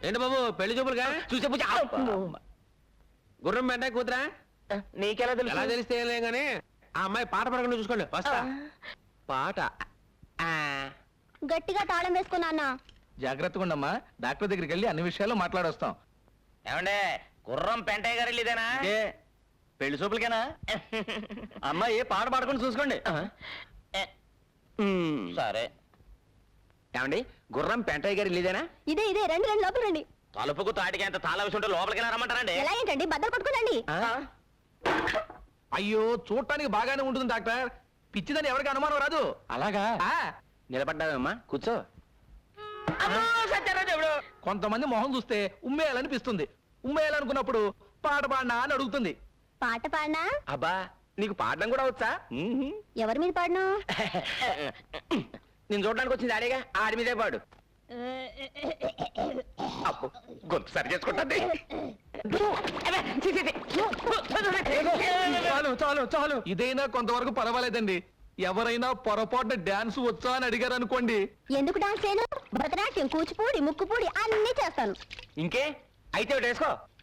ఏంటి బాబు పెళ్లి చూపులుగా చూసే పూజ గుర్రం వెంట కూతురా నీకెలా ఎలా తెలుసు? తెలిస్తే ఏం లేదు కానీ ఆ అమ్మాయి పాట పడకుండా చూసుకోండి వస్తా పాట గట్టిగా తాళం వేసుకున్నా అన్న. జాగ్రత్తగా ఉండమ్మా, డాక్టర్ దగ్గరికి వెళ్ళి అన్ని విషయాలు మాట్లాడొస్తాం. ఏమండే గుర్రం పెంటయ్య గారు ఇదేనా? పెళ్లి చూపులకేనా? అమ్మాయి పాట పాడుకుని చూసుకోండి. సరే. ఏమండి గుర్రం పెంటయ్య గారు ఇల్లేదేనా? ఇదే ఇదే రండి రండి లోపల రండి. తలుపుకు తాటికి ఎంత తాళ విసుంటే లోపలికి రమ్మంటారండి. ఎలా ఏంటండి బద్దలు కొట్టుకోనండి. అయ్యో చూడటానికి బాగానే ఉంటుంది డాక్టర్, పిచ్చిదని ఎవరికి అనుమానం రాదు. అలాగా నిలబడ్డావమ్మా కూర్చో. కొంతమంది మొహం చూస్తే ఉమ్మేయాలనిపిస్తుంది, ఉమ్మేయాలనుకున్నప్పుడు పాట పాడినా అని అడుగుతుంది. పాట పాడినా? అబ్బా నీకు పాడడం కూడా వచ్చా? ఎవరి మీద పాడను? నేను చూడడానికి వచ్చింది ఆడేగా, ఆడి మీదే పాడు. అబ్బో, గొంతు సరి చేసుకుంటుంది. చాలు చాలు చాలు, ఇదైనా కొంతవరకు పర్వాలేదండి. ఎవరైనా పొరపాటున డాన్స్ వచ్చా అని అడిగారు అనుకోండి, ఎందుకు డాన్స్ చేయను? భరతనాట్యం, కూచిపూడి, ముక్కుపూడి అన్ని చేస్తాను. ఇంకే అయితే ఒకటి వేసుకో.